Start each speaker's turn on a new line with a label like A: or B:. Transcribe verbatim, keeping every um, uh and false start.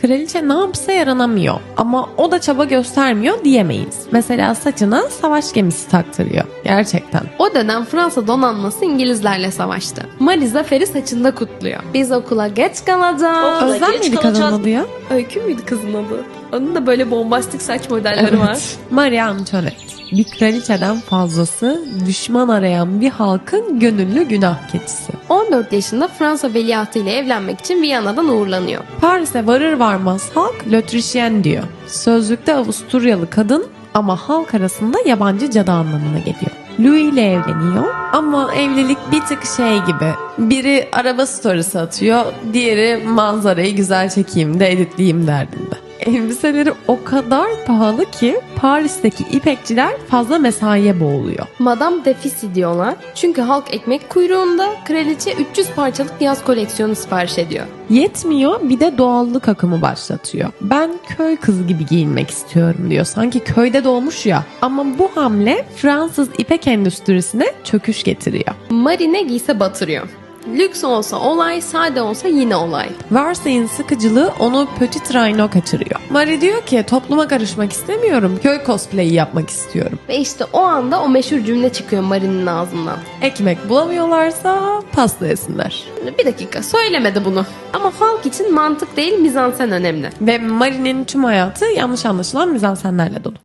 A: Kraliçe ne yapsa yaranamıyor ama o da çaba göstermiyor diyemeyiz. Mesela saçına savaş gemisi taktırıyor. Gerçekten.
B: O dönem Fransa donanması İngilizlerle savaştı. Marie zaferi saçında kutluyor. Biz okula geç kalacağız.
C: Okula
A: Özlem
C: geç
A: miydi
C: kalacağız.
A: kadının adı ya?
B: Öykü müydü kızın adı? Onun da böyle bombastik saç modelleri var.
A: Marie Antoinette. Bir kraliçeden fazlası düşman arayan bir halkın gönüllü günah keçisi.
B: on dört yaşında Fransa veliahtı ile evlenmek için Viyana'dan uğurlanıyor.
A: Paris'e varır varmaz halk L'Autrichienne diyor. Sözlükte Avusturyalı kadın ama halk arasında yabancı cadı anlamına geliyor. Louis ile evleniyor ama evlilik bir tık şey gibi. Biri araba storiesi atıyor, diğeri manzarayı güzel çekeyim de editleyeyim derdinde. Elbiseleri o kadar pahalı ki Paris'teki ipekçiler fazla mesaiye boğuluyor.
B: Madame Defisi diyorlar. Çünkü halk ekmek kuyruğunda, kraliçe üç yüz parçalık yaz koleksiyonu sipariş ediyor.
A: Yetmiyor, bir de doğallık akımı başlatıyor. Ben köy kızı gibi giyinmek istiyorum diyor. Sanki köyde doğmuş ya. Ama bu hamle Fransız ipek endüstrisine çöküş getiriyor.
B: Marie ne giyse batırıyor. Lüks olsa olay, sade olsa yine olay.
A: Versailles'in sıkıcılığı onu Petit Rhino kaçırıyor. Marie diyor ki topluma karışmak istemiyorum, köy cosplay'i yapmak istiyorum.
B: Ve işte o anda o meşhur cümle çıkıyor Marie'nin ağzından.
A: Ekmek bulamıyorlarsa pasta yesinler.
B: Bir dakika, söylemedi bunu. Ama halk için mantık değil mizansen önemli.
A: Ve Marie'nin tüm hayatı yanlış anlaşılan mizansenlerle dolu.